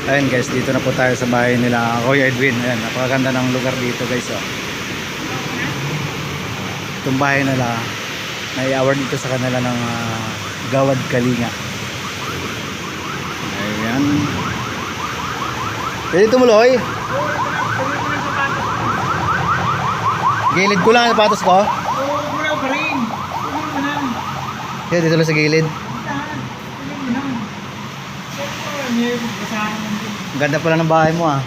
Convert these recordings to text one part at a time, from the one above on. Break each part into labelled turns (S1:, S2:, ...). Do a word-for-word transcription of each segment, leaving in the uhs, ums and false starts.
S1: Ayun guys, dito na po tayo sa bahay nila Kuya Edwin. Ayan, napakaganda ng lugar dito guys. Oh. Itong bahay nila, may award dito sa kanila ng uh, Gawad Kalinga. Ayan. Pwede tumuloy. Gilid ko lang ang sapatos ko.
S2: Oo, mula pa rin. Tuloy mo lang.
S1: Kaya dito lang sa gilid.
S2: Tahan. Tuloy mo lang. Siyempre, may basahan mo din.
S1: Ang ganda pala ng bahay mo ah.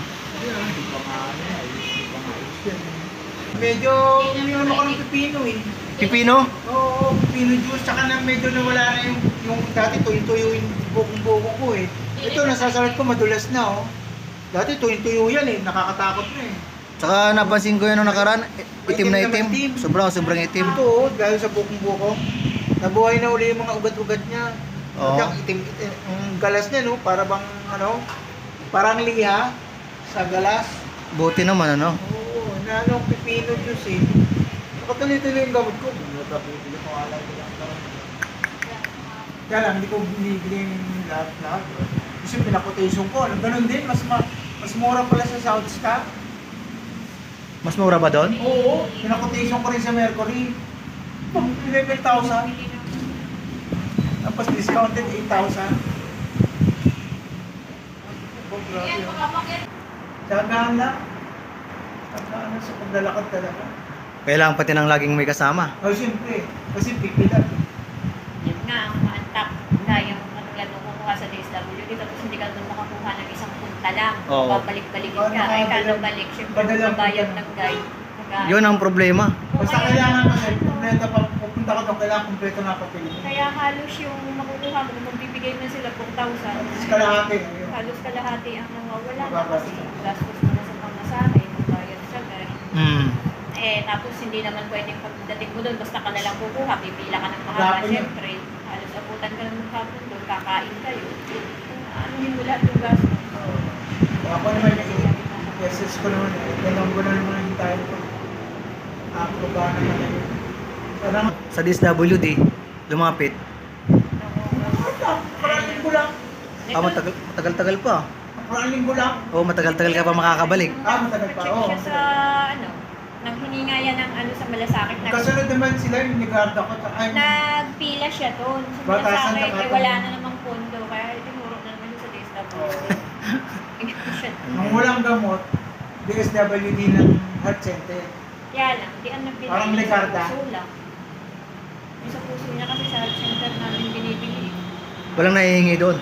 S2: Medyo ininom ako ng pipino eh.
S1: Pipino?
S2: Oo, pipino juice. Tsaka na medyo nawala na yung, yung dati tuyo-tuyo yung bukong-buko ko eh. Ito, nasasalat ko madulas na oh. Dati tuyo-tuyo yan eh. Nakakatakot na eh.
S1: Tsaka napansin ko yun nung nakaraan, itim na
S2: Itim
S1: itim.
S2: naman, itim.
S1: Sobrang sobrang itim.
S2: Ito oh, dahil sa bukong-buko. Nabuhay na uli yung mga ugat-ugat niya.
S1: Oo.
S2: At itim, itim, ang galas niya no, para bang ano, parang liha sa galas.
S1: Buti naman ano.
S2: Oo, na anong pipino juice eh. Nakatuloy-tuloy yung gamot ko. Bili ko alay ko lang. Kaya lang, hindi ko binibili yung lahat-lahat. Kasi pinakotation ko. Ganun din, mas ma mas mura pala sa South Star.
S1: Mas mura ba doon?
S2: Oo, pinakotation ko rin sa Mercury. eleven thousand. Tapos discounted eight thousand. Oh, grabe. Tsagaan lang. Tsagaan lang sa paglalakad talaga.
S1: Kailangan pati ng laging may kasama.
S2: Oh, siyempre. Kasi pipilat.
S3: Yun nga, ang maantak. Dahil yung katulad nung kukuha sa D S W D, tapos hindi ka doon makakuha ng isang punta lang.
S1: Oo.
S3: Babalik-balikin ka. Ay, kada balik, syempre,
S2: Badalang
S3: magbabayad
S2: punta.
S3: ng guide. Nag-
S1: Yun ang problema.
S2: Basta kailangan kasi, kompleto pa, pupunta ka doon, kailangan kompleto na papel.
S3: Kaya halos yung makukuha mo, kung magbibigay na sila four thousand,
S2: Tapos kalahati. ayun.
S3: halos kalahati ang nawawala na
S2: Babas.
S3: kasi gastos mo na sa pamasahe, magbayad sa guide.
S1: Hmm.
S3: Eh, tapos hindi naman pwedeng pagdating mo doon, basta ka na lang kukuha, pipila ka ng mahaba,
S2: Hapon yun.
S3: syempre. Halos abutan ka ng hapon doon, kakain kayo. Ano yung wala yung gastos?
S2: Oo. Ako naman yung yeses ko naman, eh. Dalawang ko na naman yung tayo ko. Ako ba naman yun. Parang,
S1: Sa D S W D, lumapit.
S2: parang linggo lang.
S1: Ah, matagal, matagal-tagal pa.
S2: Parang linggo lang.
S1: Oo, matagal-tagal ka pa makakabalik.
S2: Ah, matagal pa.
S3: Check
S2: Oo.
S3: siya sa, ano, nang hininga yan ng ano sa malasakit. Nag,
S2: Kasunod naman sila yung nigarda ko. Ay,
S3: nagpila siya doon sa
S2: Batasan
S3: malasakit.
S2: na
S3: Eh,
S2: ka-
S3: wala na namang pondo. Kaya tinuro na naman yun sa D S W D. Siya.
S2: nung walang gamot, D S W D ng heart center.
S3: Kaya lang, di ang nagbili.
S2: Parang Ligarda.
S3: Sa puso lang. Yung sa puso niya kasi sa health center namin binibili.
S1: Walang nahihingi doon.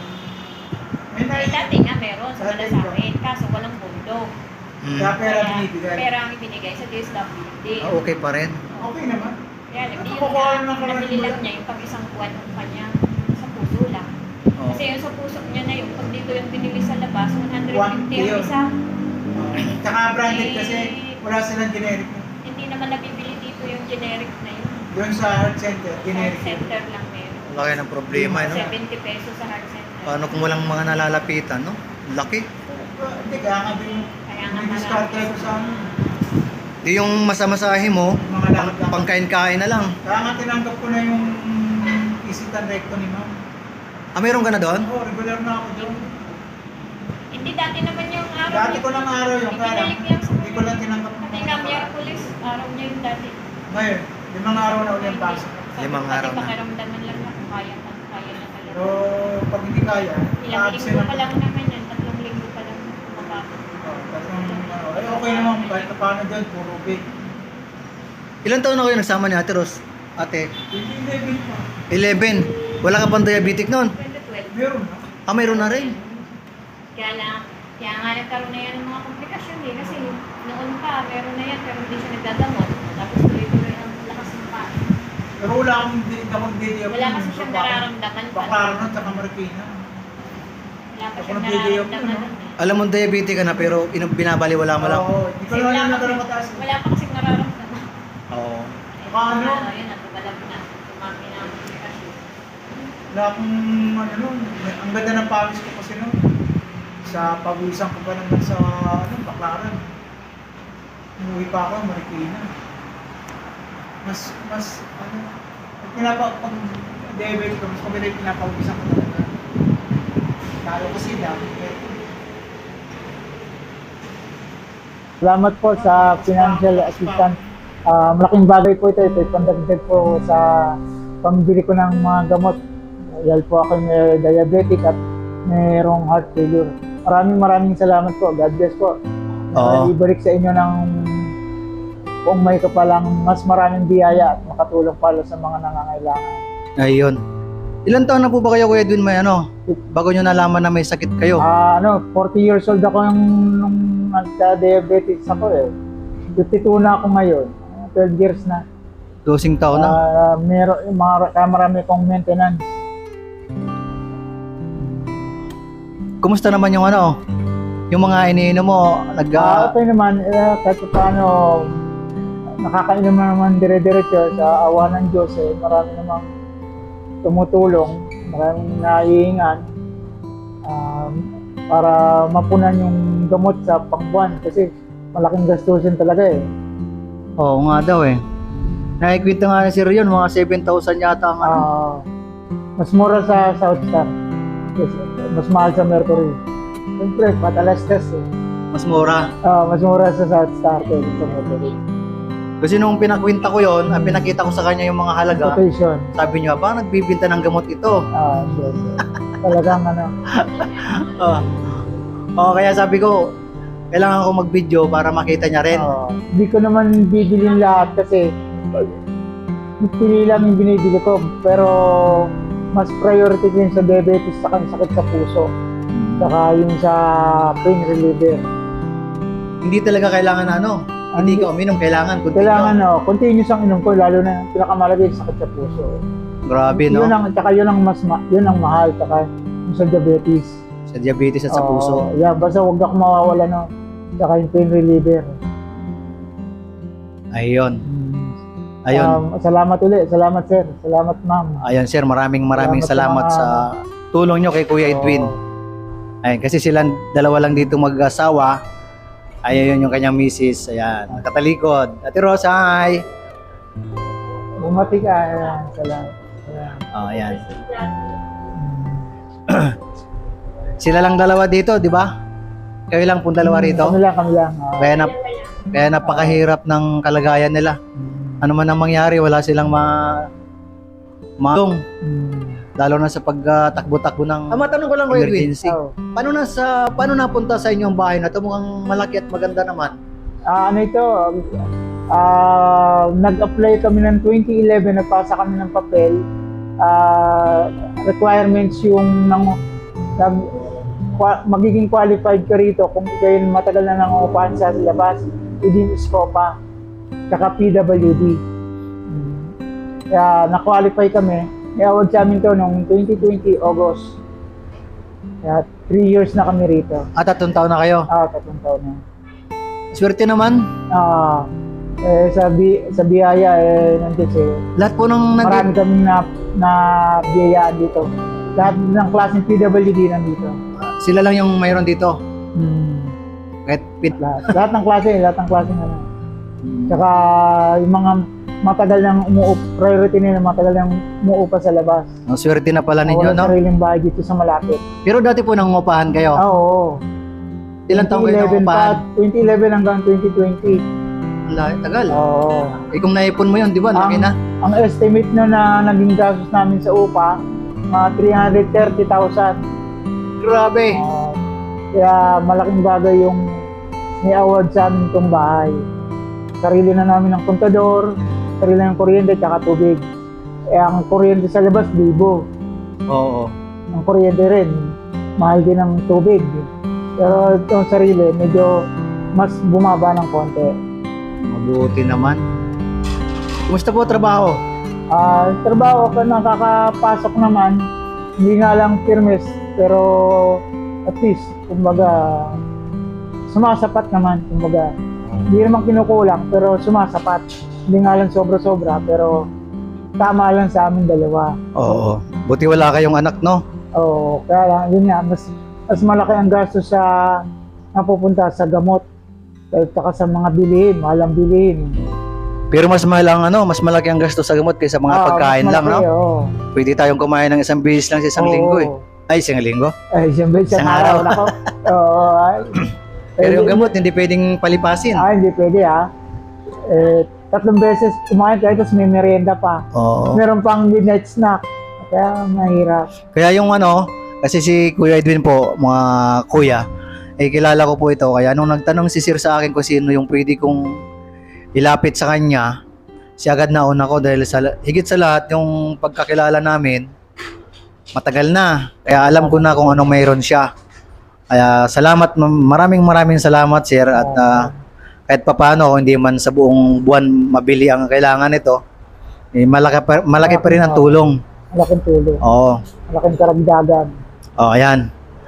S2: May
S3: Eh,
S2: na
S3: dati nga meron sa
S2: Dati
S3: malasakit. Kaso walang pondo.
S1: Hmm.
S2: Kaya pera
S3: Kaya,
S2: binibigay.
S3: pera ang ibinigay sa D S W D.
S1: Ah, okay pa rin.
S2: Okay naman.
S3: Kaya lang, di yun
S2: Nakukuha
S3: na,
S2: ng karamihan.
S3: nabili lang niya yung pag isang buwan ng kanya sa puso lang.
S1: Oo.
S3: Kasi yung sa puso niya na yung pag dito yung binili sa labas, one hundred
S2: One
S3: fifty yung
S2: yun.
S3: isa.
S2: Uh, tsaka branded kasi wala silang generic.
S3: Hindi naman nabibili dito yung generic na yun.
S2: Doon sa heart center,
S3: Sa
S2: generic.
S3: health center lang meron.
S1: Laki ng problema, no?
S3: seventy pesos sa heart center.
S1: Paano kung walang mga nalalapitan, no? Laki.
S2: Hindi, kaya nga din
S3: Kaya nga
S2: may discard
S3: marami.
S2: ko sa ano.
S1: Di yung masamasahe mo,
S2: Mga
S1: pang,
S2: lakad-lakad.
S1: pangkain-kain na lang.
S2: Kaya nga tinanggap ko na yung isitan recto ni ma'am.
S1: Ah, meron ka na doon?
S2: Oo, regular na ako doon.
S3: Hindi dati naman yung araw.
S2: Dati
S3: niya.
S2: ko lang araw yung kaya lang.
S3: Ibinalik lang sa
S2: Hindi ko lang tinanggap.
S3: Pati nga Miyerkules, araw niya yung dati.
S2: Ngayon, limang araw na ulit ang pasok.
S1: Limang araw na.
S3: Pati pakiramdaman lang na kung kaya, kung kaya na talaga.
S2: Pero pag hindi kaya,
S3: Ilang
S2: absent
S3: linggo
S2: ako.
S3: pa lang naman yan, tatlong linggo pa lang makapag.
S2: Oo, tatlong, ano, ay okay naman kahit na paano doon, puro big.
S1: Ilan taon na kayo nagsama ni Ate Ros? Ate,
S2: Hindi, hindi, pa.
S1: eleven. Wala ka pang diabetic noon?
S3: twenty twelve.
S2: Meron na.
S1: Ah, mayroon na rin.
S3: Kaya lang, kaya nga nagkaroon na yan ng mga komplikasyon eh. Kasi noon pa, meron na yan, pero hindi siya nagdadamot. Tapos tuloy-tuloy ang lakas ng pa.
S2: Pero wala akong hindi akong video.
S3: Wala kasi siyang nararamdaman pa.
S2: Baklaro na, tsaka Marikina.
S3: Wala pa
S2: Ako
S3: siyang
S2: nag-video ko,
S3: nararamdaman
S2: no?
S3: nun eh.
S1: Alam mo diabetic ka na pero ina- binabaliwala mo lang.
S2: Oo, hindi ko
S3: Kasi
S2: naman
S3: wala
S2: yung
S3: pa
S2: nagkaroon
S3: kasi-
S2: kataas.
S3: Wala pa kasing nararamdaman.
S1: Oo.
S3: Eh,
S2: Paano?
S3: ano, yun, natubalab na. Tumami na ang komplikasyon.
S2: Wala akong ano nun. Ang ganda ng pawis ko kasi nun. Sa pawisan ko pa naman sa ano, Baklaran. Umuwi pa ako, Marikina. Mas, mas, ano, pag pinapa, pag diabetes ko, mas maganda yung pinapawisan ko talaga. Talo ko sila. Eh, Salamat po sa financial assistance. Ah, malaking bagay po ito. Ito pandagdag po sa pambili ko ng mga gamot. Dahil po ako may diabetic at mayroong heart failure. Maraming maraming salamat po. God bless po.
S1: Oo.
S2: Uh, ibalik sa inyo ng kung may kapalang mas maraming biyaya at makatulong pala sa mga nangangailangan.
S1: Ayun. Ilan taon na po ba kayo, Kuya Edwin, may ano? Bago nyo nalaman na may sakit kayo?
S2: Ah, ano, forty years old ako nung, nung nagka-diabetes ako eh. fifty-two na ako ngayon. twelve years na.
S1: Dosing taon na?
S2: Ah, meron, mga, marami kong maintenance.
S1: Kumusta naman yung ano? Yung mga iniinom mo, nag...
S2: Ah, okay naman, eh, kahit paano, nakakainom naman dire-diretso sa awa ng Diyos eh. Marami namang tumutulong, maraming naiingan um, para mapunan yung gamot sa pangbuwan kasi malaking gastusin talaga eh.
S1: Oo nga daw eh. Nakikwento nga na si Rion, mga seven thousand yata ang ano.
S2: Ah, mas mura sa South Star. Yes, mas mahal sa Mercury. Siyempre, matalas test eh.
S1: Mas mura.
S2: Ah, mas mura sa South Star kaysa sa Mercury.
S1: Kasi nung pinakwenta ko yon, ang pinakita ko sa kanya yung mga halaga,
S2: Quotation.
S1: sabi niya, ba nagbibinta ng gamot ito?
S2: Ah, yes, yes. Talagang ano.
S1: Oo. Oo, kaya sabi ko, kailangan ko mag-video para makita niya rin.
S2: ah, Hindi ko naman bibilin lahat kasi pili lang yung binibili ko. Pero mas priority ko yung sa diabetes sa sakit sa puso. Saka yung sa pain reliever.
S1: Hindi talaga kailangan na ano, hindi ka uminom, kailangan continue.
S2: Kailangan no, continuous ang inom ko lalo na pinakamalagay sa sakit sa puso.
S1: Grabe, no?
S2: Yun ang, tsaka yun ang mas ma, yun ang mahal, tsaka yung sa diabetes.
S1: Sa diabetes at sa
S2: Oo,
S1: puso.
S2: yeah, basta huwag ako mawawala no. Tsaka yung pain reliever.
S1: Ayun. Ayun.
S2: Um, salamat ulit, salamat sir, salamat ma'am.
S1: Ayun, sir, maraming maraming
S2: Salamat
S1: salamat,
S2: sa mga-
S1: sa tulong nyo kay Kuya Edwin.
S2: Oo.
S1: Ayun, kasi silang dalawa lang dito mag-asawa. Ayun yung kanyang misis. Ayan, nakatalikod. Ate Rosa, hi!
S2: Bumati ka, ayan, salamat. Ayan.
S1: Oh, ayan. Sila lang dalawa dito, di ba? Kayo lang pong dalawa rito.
S2: Kami lang, kami lang. ah.
S1: Kaya, na, kaya napakahirap ng kalagayan nila.
S2: Mm.
S1: Ano man ang mangyari, wala silang ma... maong.
S2: Mm.
S1: Lalo na sa pagtakbo-takbo ng ah, matanong ko lang, Kuya Edwin.
S2: emergency. Oh.
S1: Paano na sa paano napunta sa inyong bahay na to? Mukhang malaki at maganda naman.
S2: Ah, ano ito? Ah, nag-apply kami ng twenty eleven, nagpasa kami ng papel. Ah, requirements yung nang nag kwa, magiging qualified ka rito kung kayo matagal na nangungupahan sa labas, within SCOPA, tsaka P W D. Hmm. Kaya na-qualify kami. I-award sa amin to noong twenty twenty August. Kaya three years na kami rito.
S1: At tatlong taon na kayo.
S2: Ah, tatlong taon na.
S1: Swerte naman.
S2: Ah, eh, sa, bi sa biyaya, eh, nandito eh.
S1: Lahat po ng nag
S2: Marami kami na, na biyayaan dito. Lahat ng klaseng P W D nandito.
S1: sila lang yung mayroon dito.
S2: Hmm.
S1: Kahit pit.
S2: Lahat, lahat ng klase, lahat ng klase na lang. Tsaka yung mga matagal nang umuup, priority nila matagal nang umuupa sa labas.
S1: Ang swerte na pala ninyo,
S2: Walang
S1: no?
S2: sariling bahay dito sa malapit.
S1: Pero dati po nangungupahan kayo.
S2: Ah, oo.
S1: Ilang taon kayo nangungupahan?
S2: twenty eleven hanggang twenty twenty.
S1: Ang lahi, tagal.
S2: Oo.
S1: Eh kung naipon mo yun, di ba? Laki
S2: Ang-
S1: na.
S2: Ang estimate nyo na naging gastos namin sa upa, mga three hundred thirty thousand.
S1: Grabe.
S2: Uh, kaya malaking bagay yung may award sa amin itong bahay. Sarili na namin ng kontador, sarili ng kuryente at tubig. Eh, ang kuryente sa labas, libo.
S1: Oo.
S2: Ang kuryente rin, mahal din ang tubig. Pero itong sarili, medyo mas bumaba ng konti.
S1: Mabuti naman. Kumusta po trabaho?
S2: Ah, trabaho ko, nakakapasok naman. Hindi nga lang firmes, pero at least, kumbaga, sumasapat naman, kumbaga. Hindi naman kinukulang, pero sumasapat. Hindi nga lang sobra-sobra, pero tama lang sa amin dalawa.
S1: Oo. Buti wala kayong anak, no?
S2: Oo, kaya lang, yun nga, mas, mas malaki ang gasto sa napupunta sa gamot. At saka sa mga bilihin, mahalang bilihin.
S1: Pero mas mahal ang ano, mas malaki ang gasto sa gamot kaysa mga
S2: Ah,
S1: pagkain
S2: mas
S1: lang, no?
S2: malaki, oo.
S1: Pwede tayong kumain ng isang beses lang sa isang
S2: Oo.
S1: linggo eh. Ay, isang linggo?
S2: Ay, siyempre, isang
S1: Isang
S2: araw
S1: araw.
S2: na ko. Oo, ay.
S1: Pero yung gamot, hindi pwedeng palipasin.
S2: Ah, hindi pwede ah. Eh, tatlong beses kumain tayo, tapos may merienda pa.
S1: Oo.
S2: Meron pang midnight snack. Kaya mahirap.
S1: Kaya yung ano, kasi si Kuya Edwin po, mga kuya, eh kilala ko po ito. Kaya nung nagtanong si Sir sa akin kung sino yung pwede kong ilapit sa kanya, si agad nauna ko dahil sa, higit sa lahat yung pagkakilala namin, matagal na. Kaya alam ko na kung anong mayroon siya. Kaya salamat, maraming maraming salamat Sir. At ah, kahit papano, hindi man sa buong buwan mabili ang kailangan nito, eh, malaki, pa, malaki pa rin ang tulong.
S2: Malaking tulong.
S1: Oo.
S2: Malaking karagdagan.
S1: Oh, ayan.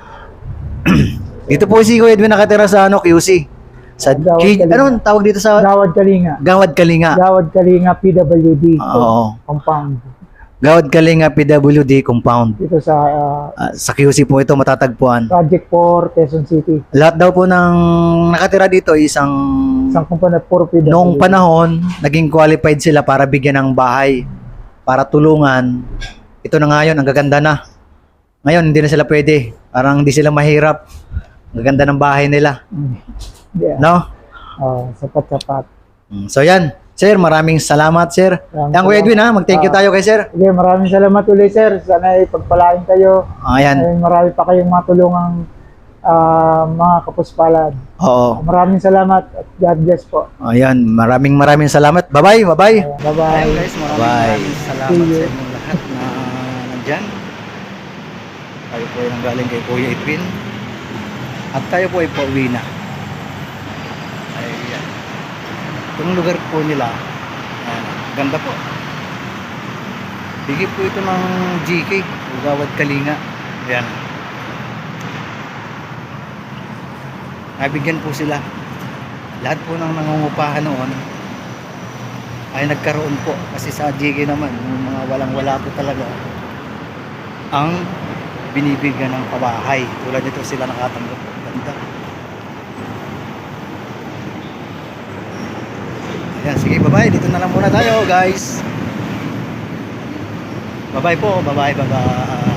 S1: Dito po si Kuya Edwin nakatira sa ano, Q C. Sa
S2: Gawad
S1: K,
S2: Kalinga.
S1: ano tawag dito sa
S2: Gawad Kalinga.
S1: Gawad Kalinga.
S2: Gawad Kalinga P W D.
S1: Oo.
S2: Compound.
S1: Gawad Kalinga P W D compound.
S2: Dito sa ah,
S1: Ah, sa Q C po ito matatagpuan.
S2: Project four, Quezon City.
S1: Lahat daw po ng nakatira dito isang
S2: Isang kumpanya puro P W D.
S1: noong panahon naging qualified sila para bigyan ng bahay, para tulungan. Ito na ngayon, ang gaganda na. Ngayon hindi na sila pwede. Parang hindi sila mahirap. Ang gaganda ng bahay nila,
S2: Mm. Yeah.
S1: no?
S2: Oh, sapat-sapat.
S1: Mm, So yan, Sir, maraming salamat, Sir.
S2: Maraming
S1: Yan, Kuya Edwin, ha? Mag-thank you
S2: Ah.
S1: tayo kay Sir.
S2: Sige, maraming salamat ulit, sir. Sana ay pagpalain kayo.
S1: Ayan.
S2: Ay, marami pa kayong matulungang ah, mga kapuspalad.
S1: Oo.
S2: Maraming salamat at God bless po.
S1: Ayan, maraming maraming salamat. Bye-bye, bye-bye.
S2: Ayan, bye-bye.
S1: guys, maraming Bye.
S2: See
S1: maraming salamat
S2: you.
S1: sa inyong lahat na nandyan. Tayo po ay nanggaling kay Kuya Edwin. At tayo po ay pauwi na. Ayan. Itong lugar po nila, ayan, ganda po. Bigay po ito ng G K, Gawad Kalinga. Ayan. Nabigyan po sila. Lahat po ng nangungupahan noon ay nagkaroon po. Kasi sa G K naman, yung mga walang-wala po talaga ang binibigyan ng pabahay. Tulad nito sila nakatanggap po. Ganda. Ayan, sige, bye-bye. Dito na lang muna tayo, guys. Bye-bye po. Bye-bye, bye-bye.